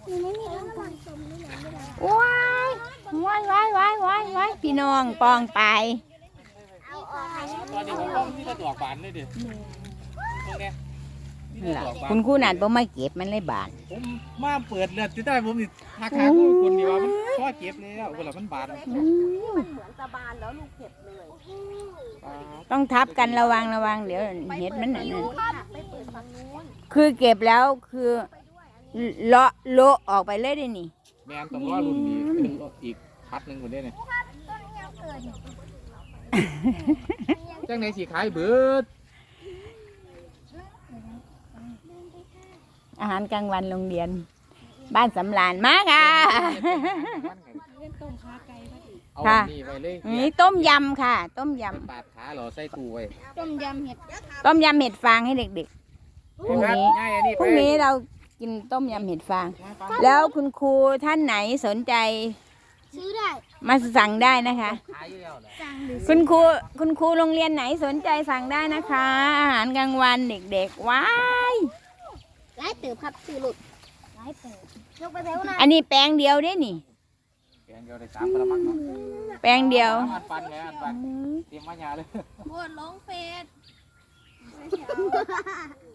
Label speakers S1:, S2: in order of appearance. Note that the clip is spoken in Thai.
S1: ว้ายว้ายพี่น้องปองไป
S2: ตอนนี้ผมต้องที่จะดอกบานเลยดิตรงเนี้ย
S1: คุณครูนัดบ่มาเก็บมันเลยบาน
S2: ผมมาเปิดเลือดที่ได้ผมนี่ราคาคนเดียวมันพอเก็บแล้วเวลามันบาน
S3: มันเหมือนตะบานแล้วลูกเห็บเลย
S1: ต้องทับกันระวังเดี๋ยวเห็ดมันนั่น
S3: ไปเปิดฝั่งนู้น
S1: คือเก็บแล้วคือเลาะออกไปเลยได้นี่
S2: แมนต้องรอรุ่นนี้เป็นอีกพัดหนึ่งคนเดียวเนี่ยจังไหนสีขายเบิด
S1: อาหารกลางวันโรงเรียนบ้านสำราญมาค่ะค่ะนี่ต้มยำค่ะต้มยำ
S2: ปาดขาเหรอใส่ตู้ไว้
S1: ต้มยำเห็ดฟางให้เด็กๆพรุ่งนี้เรากินต้มยำเห็ดฟางแล้วคุณครูท่านไหนสนใจ
S3: ซื้อได้
S1: มาสั่งได้นะคะคุณครูโรงเรียนไหนสนใจสั่งได้นะคะอาหารกลางวันเด็กๆว้าย
S3: ไล่ตืบครับซื้อหลุดไล่ตืบยกไปเร็วนะ
S1: อันนี้แปลงเดียวได้นี่
S2: แปลงเดียวได้3 กระมังเนาะ
S1: แปลงเดียว
S2: อันปันไงอันปันเตรียมมาหยาเลย
S3: โคตรลงเฟส